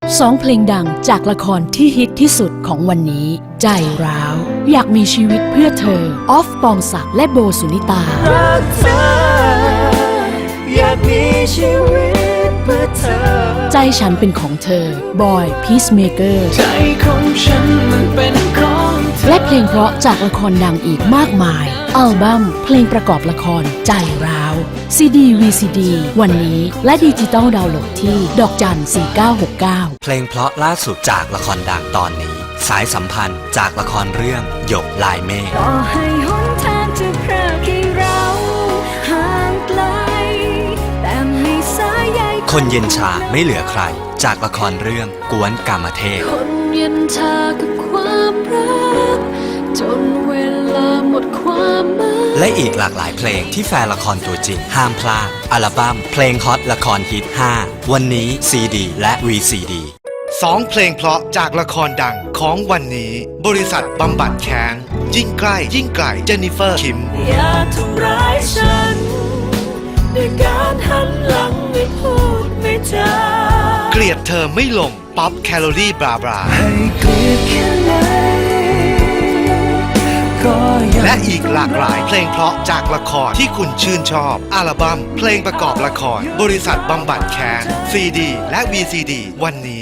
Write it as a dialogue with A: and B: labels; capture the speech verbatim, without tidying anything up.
A: สองเพลงดังจากละครที่ฮิตที่สุดของวันนี้ใจร้าวอยากมีชีวิตเพื่อเธอออฟปองศักดิ์และโบสุนิตา
B: รักเธออยากมีชีวิตเพื่อเธอ
A: ใจฉันเป็นของเธอบอยพีซเมเกอร์
B: ใจของฉันมันเป็นของเธอ
A: และเพลงเพราะจากละครดังอีกมากมายอัลบั้มเพลงประกอบละครใจร้าวซีดี วี ซี ดี วันนี้และดิจิตอลดาวน์โหลดที่ดอกจันสี่เก้าหกเก้า
C: เพลงเพราะล่าสุดจากละครดังตอนนี้สายสัมพันธ์จากละครเรื่องหยกลายเมฆ
B: ต่อให้หนทางจะพรากให้เราห่างไกลแต่ไม่สายใย
C: คนเย็นชาไม่เหลือใครจากละครเรื่องกวนกามเทพ
B: คนเย็นชากับความรักจนเวลาหมดความหมาย
C: และอีกหลากหลายเพลงที่แฟนละครตัวจริงห้ามพลาดอัลบั้มเพลงฮอตละครฮิตห้าวันนี้ซีดีและ วี ซี ดี
D: สองเพลงเพราะจากละครดังของวันนี้บริษัทบำบัดแค้นยิ่งใกล้ยิ่งไกลเจนนิเฟอร์คิม
B: อย่าทำร้ายฉันด้วยการหันหลังไม่พูดไม่จา
D: เกลียดเธอไม่ลงป๊อปแคลอรี่บราบรา
B: ให้เกลียดแค่ไหน
D: และอีกหลากหลายเพลงเพราะจากละครที่คุณชื่นชอบอัลบั้มเพลงประกอบละครบริษัทบำบัดแค้นซีดีและ วี ซี ดี วันนี้